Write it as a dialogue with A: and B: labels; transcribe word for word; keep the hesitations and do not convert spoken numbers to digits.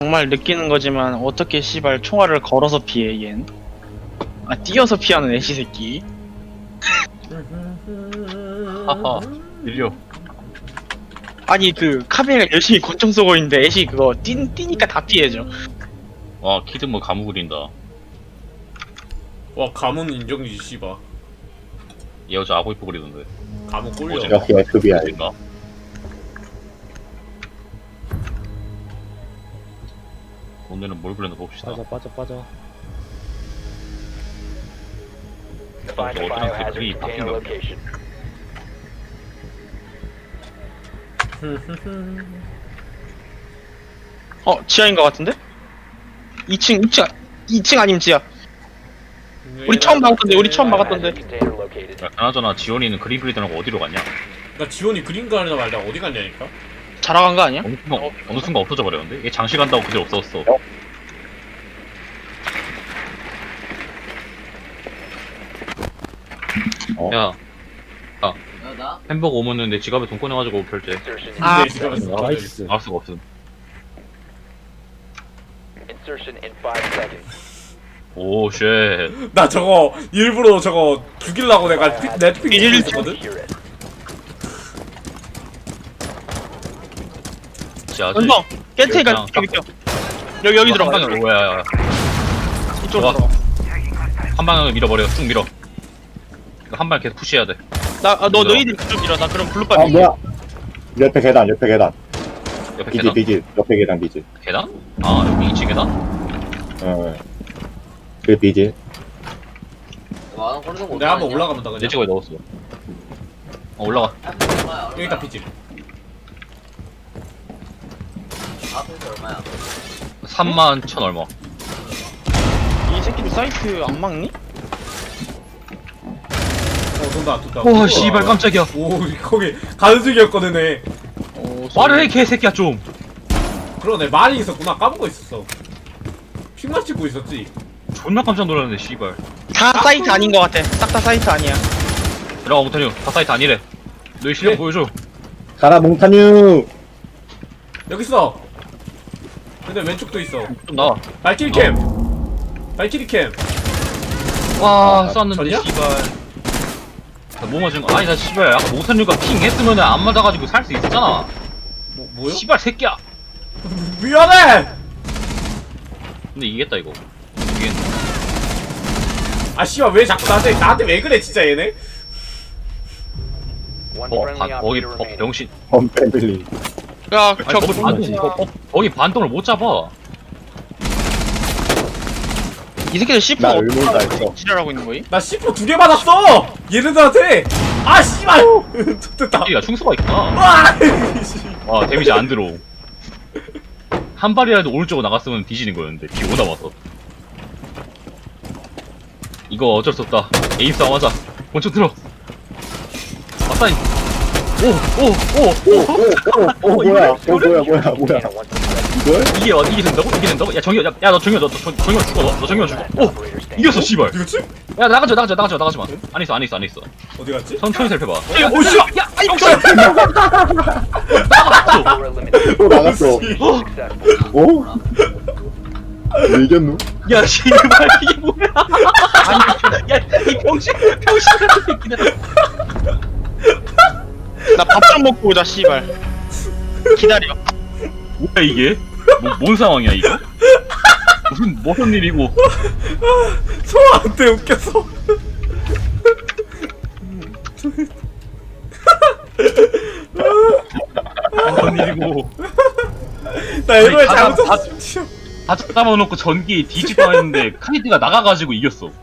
A: 정말 느끼는 거지만 어떻게 씨발 총알을 걸어서 피해 얜? 아 뛰어서 피하는 애시 새끼.
B: 하하 밀려.
A: 아니 그 카메라 열심히 권총 쏘고 있는데 애시 그거 뛰, 뛰니까 다 피해져.
B: 와 키드 뭐 가무 그린다.
C: 와 가문 인정이지 씨바.
B: 얘 어제 아고 이뻐 그리던데.
C: 가문 꼴려.
B: 어제
D: 역시 에프비아이.
B: 어젠가? 오늘은 뭘 그렸나 봅시다.
E: 빠져 빠져 빠져.
B: 아, 저 어쩌면 그림이 바뀐 거 같아.
A: 어 지하인 것 같은데? 이 층 이 층 이 층 아니면 지하. 우리 처음 막았던데 우리 처음 막았던데.
B: 야, 그나저나 지원이는 그림 그리던 거 어디로 갔냐?
C: 나 지원이 그린 거 하려다 말다 어디 갔냐니까?
A: 자라간 거 아니야?
B: 어느 순간, 어느 순간 없어져 버렸는데? 얘 장시 간다고 그대 없어졌어.
D: 어?
B: 야, 야, 햄버거 오면은 내 지갑에 돈 꺼내가지고 결제.
A: 아,
C: 내 지갑에 돈
E: 나이스.
B: 알 수가 없음. 오, 쉣.
C: 나 저거 일부러 저거 죽이려고 내가 피, 넷픽
A: 일-
C: 있었거든?
B: 지하지.
A: 은성 깨트니까
B: 그냥
A: 여기 껴. 여기 여기 들어가.
B: 한 방향으로, 야, 야, 야.
A: 이쪽으로
B: 좋아.
A: 들어가.
B: 한 방향을 밀어버려. 쭉 밀어. 한 방 계속 푸시해야 돼.
A: 나너 너희들 그쪽 밀어. 나 그럼 블루빨
D: 아
A: 밀게.
D: 뭐야? 옆에 계단, 옆에 계단.
B: 옆에
D: 비질,
B: 계단?
D: 비질. 옆에 계단 비질.
B: 계단? 아, 여기 이 층 계단?
D: 어. 그 비질.
C: 내가 한번 올라가면 다
B: 내
C: 그냥
B: 지갑에 넣었어. 어, 올라가.
C: 여기다 피지.
B: 삼만 천 얼마.
A: 이 새끼들 사이트 안 막니?
C: 어 돈다 돈다.
B: 와, 씨발 깜짝이야.
C: 오 거기 가는 중이었거든 애.
A: 어,
B: 말을 해, 개새끼야, 좀.
C: 그러네 말이 있었구나 까먹고 있었어. 픽만 찍고 있었지.
B: 존나 깜짝 놀랐네, 씨발.
A: 다 사이트 아닌 것 같아. 싹 다 사이트 아니야.
B: 들어가, 못하니. 다 사이트 아니래. 너희 실력
C: 네.
B: 보여줘.
D: 가라 몽타뉴.
C: 여기 있어. 근데 왼쪽도 있어.
B: 좀 나와.
C: 발키리 캠. 발키리 캠.
B: 와,
D: 아,
B: 쐈는데,
C: 전이야?
B: 씨발. 나 뭐 맞은 거? 아니, 나 씨발. 아까 모선류가 핑 했으면은 안 맞아가지고 살 수 있었잖아.
C: 뭐 뭐요?
B: 씨발, 새끼야.
C: 미안해.
B: 근데 이겼다, 이거. 이게
C: 아 씨발 왜 자꾸 나한테 나한테 왜 그래 진짜 얘네?
B: 어, 반, 거기 버, 병신.
D: 범 패밀리.
A: 야,
B: 아니,
A: 저
B: 거기
A: 뭐,
B: 반동, 거, 거, 거기 반동을 못 잡아.
A: 이 새끼들 씨프
D: 나 의문다 했어.
A: 지랄하고 있는 거임?
C: 나 씨포 두 개 받았어. 얘네들한테. 아 씨발. 됐다.
B: 새끼가 충수가 있구나.
C: 와. 씨.
B: 와, 데미지 안 들어. 한 발이라도 오른쪽으로 나갔으면 뒤지는 거였는데, 뒤 오다 와서. 이거 어쩔 수 없다. 에임 싸움 하자. 먼저 들어. 아싸이. 오, 오, 오, 오.
D: 오오오 오, 뭐야? 어 뭐야 뭐야 뭐야? 이걸?
B: 이게, 와- 이게 된다고? 이게 된다고? 야, 정현, 야, 야, 너 정현, 너, 너 정- 정현 죽어, 너, 너 정현 죽어. 오! 이겼어, 씨발.
C: 이거지?
B: 야, 나가자, 나가자, 나가자, 나가지 마. 안에 있어, 안에 있어, 안에 있어.
C: 어디 갔지?
B: 천천히 살펴봐.
C: 야, 오 씨.
B: 야, 아이, 병신!
D: 또 나갔어. 오? 왜 이겼노?
B: 야, 씨발, 이게 뭐야? 아니, 야, 이 병신, 병신 같은 새끼들.
A: 나 밥 좀 먹고 오자 씨발. 기다려.
B: 뭐야, 이게? 뭐, 뭔 상황이야, 이거? 무슨, 무슨 일이고.
C: 소아한테 웃겨서.
B: 무슨 일이고.
C: 나 이거에
B: 다-
C: 잘못
B: 다-
C: 쳤어.
B: 다 잡아놓고 전기에 뒤지고 했는데, 카이드가 나가가지고 이겼어.